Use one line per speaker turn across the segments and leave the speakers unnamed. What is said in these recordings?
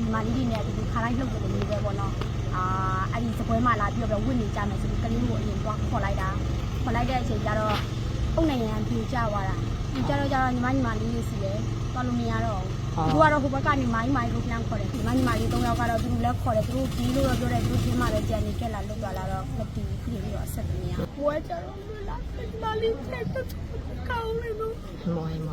မာလေးတွေနဲ့ဒီခါတိုင်းလှုပ်တယ်လို့ပဲပေါ့နော်အဲ့ဒီစပွဲမှာလာပြီးတော့ဝင့်နေကြမယ်ဆိုပြီးကလေးကိုအရင်တော့ခေါ်လိုက်တဲ့အချိန်ကျတော့အုတ်နိုင်ငံပြူကျသွားတာပြူကျတော့ညီမလေးတွေစီတယ်သွားလို့မရတော့ဘူးသူကတော့ဟိုဘက်ကနေမိုင်းလို့ပြန်ခေါ်တယ်ညီမလေး3ယောက်ကတော့သူတို့လည်းခေါ်တယ်သူတို့ဒီလိုတော့ပြောတယ်သူတို့ချင်းမှပဲကြံနေခဲ့လာလို့သွားလာတော့မတီးဘူးပြီးတော့ဆက်တယ်မရဘွဲကျတော့လာညီမလေးချက်တော့ကောင်းနေလို့
မော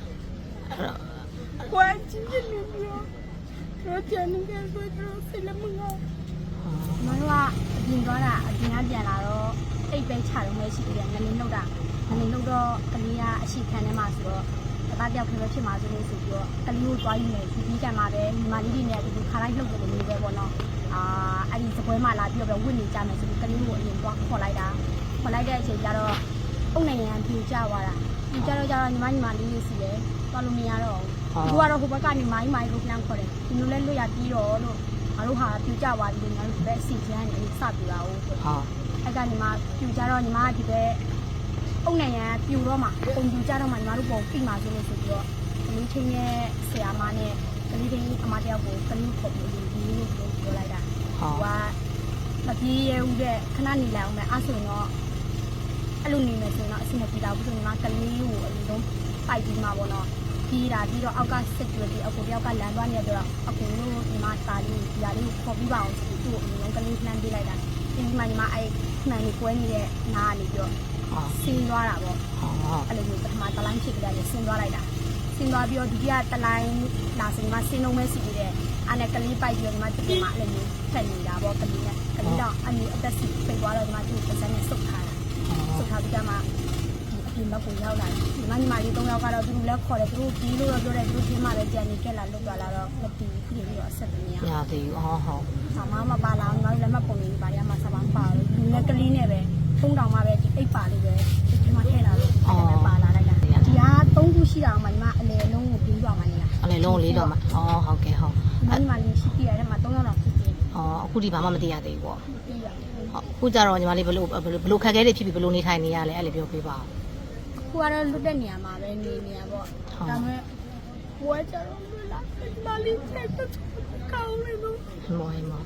ဘွဲချင်းနေပြီးတော့ကြံနေခဲ့ဆိုတော့ဆက်လည်းမငေါမတို့ကအပြင်သွားတာအပြင်ကပြန်လာတော့အိတ်ပဲချတော့မရှိသေးတယ်ငလင်းလောက်တော့ကလေးကအရှိခံထဲမှာဆိုတော့တယောက်ခဲပဲဖြစ်မှာဆိုလို့ဆိုပြီးတော့ကလေးကိုသွားယူနေဒီကံမှာပဲညီမလေးတွေနဲ့ဒီခါတိုင်းလှုပ်တယ်လို့ပဲပေါ့နော်အဲ့ဒီစပွဲမှာလာပြီးတော့ဝင့်နေကြမယ်ဆိုပြီးကလေးကိုအရင်တော့ခေါ်လိုက်တဲ့အချိန်ကျတော့အုတ်နိုင်ငံပြူကျသွားတာပြူကျတော့ညီမလေးတွေစီတယ်သွားလို့မရတော့ဘူးသူကတော့ဟိုဘက်ကနေမိုင်းလို့ပြန်ခေါ်တယ်ဒီလိုလဲလွတ်ရပြီးတော့လို့ငါတို့ဟာပြူကျသွားပြီငါတို့ပဲစီချမ်းနေစပြူတာဟုတ်အဲ့ကနေမှပြူကျတော့ညီမကဒီပဲအုတ်နိုင်ငံပြူတော့မှပုံပြူကြတော့မှညီမတို့ပုံပြမှာဆိုလို့ဆိုပြီးတော့ကလေးချင်းရဲ့ဆရာမနဲ့ကလေးချင်းအမတယောက်ကိုကလေးခေါ်ပြီးဒီလိုပြောလိုက်တာမပြေးရဘူးတဲ့ခဏနေလိုက်အောင်ပဲအဲ့ဆိုရင်တော့အဲ့လိုနေမယ်ဆိုရင်တော့အဆင်မပြေတော့ဘူးဆိုရင်ညီမကလေးကိုအရင်ဆုံးပိုက်ပြီးမှာပေါ့နော်ပြီးတော့အောက်ကစစ်ကြွပြီးအကူတယောက်ကလမ်းသွားနေတော့အကူလို့ညီမသားလေးဒီဟာလေးကိုခေါ်ပြီးပါအောင်ဆိုပြီးသူ့အရင်ဆုံးကလေးနှမ်းပေးလိုက်တာဒီမှာညီမအဲ့မှန်လေးကွဲနေတဲ့နားကနေပြီးတော့ဆင်းသွားတာပေါ့အဲ့လိုမျိုးပထမတလိုင်းဖြစ်ကြတယ်ဆင်းသွားလိုက်တာဆင်းသွားပြီးတော့ဒုတိယတလိုင်းလာစင်မှာဆင်းလုံးမဲစီပြီးတဲ့အဲ့နဲ့ကလေးပိုက်ပြီးတော့ဒီမှာတကယ်မှအဲ့လိုမျိုးဖက်နေတာပေါ့ကလေးတော့အမျိုးအသက်စီပိတ်သွားတော့ဒီမှာသူ့ပစံနဲ့ဆုတ်ထားပြီးကြမှာဒီဘက်ကိုရောက်လာတယ်ဒီမှာညီမလေး3ယောက်ကတော့သူတို့လည်းခေါ်တယ်သူတို့ဒီလိုတော့ပြောတယ်သူတို့ချင်းမှပဲကြံနေခဲ့လာလို့သွားလာတော့မတီးဘူးပြီးတော့ဆက်တယ်မရ
သေးဘူး
ဆာမမပါလာညီမတို့လည်းမပုံနေပါရမှာဆာမပါလို့ဒီနဲ့ကလေးနဲ့ပဲ3တောင်မှပဲဒီအိတ်ပါလေးပဲဒီမှာထည့်လာလို့အဲ့ဒါပါလာလိုက်တာဒီက3ခုရှိတာမှညီမအလေလုံးကိုပြီးသွားမှနေလား
အလေလုံးလေးတော့မှဟုတ်ကဲ့
ညီမလေးရှိပြရတယ်မှာ3ယောက်လောက်ဖြစ်တယ်
အခုဒီဘာမှမသိရသေးဘူးပေါ့အခုကြတော့ညီမလေးဘလို့ခက်ခဲတွေဖြစ်ပြီးဘလို့နေထိုင်နေရလဲအဲ့လိုပြောပြပါ
ခုကတော့လွတ်တဲ့နေရာမှာပဲနေရပေါ့ဒါပေမဲ့ဘွဲကျတော့လာညီမလေးချက်တော့ကောင်းနေလို့
မော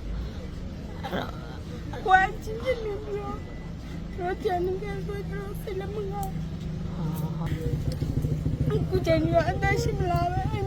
ဘွဲချင်းနေပြီးတော့ကြံနေခဲ့ဆိုတော့ဆက်လည်းမငေါအခုကျန်ရအသက်ရှင်လာပဲ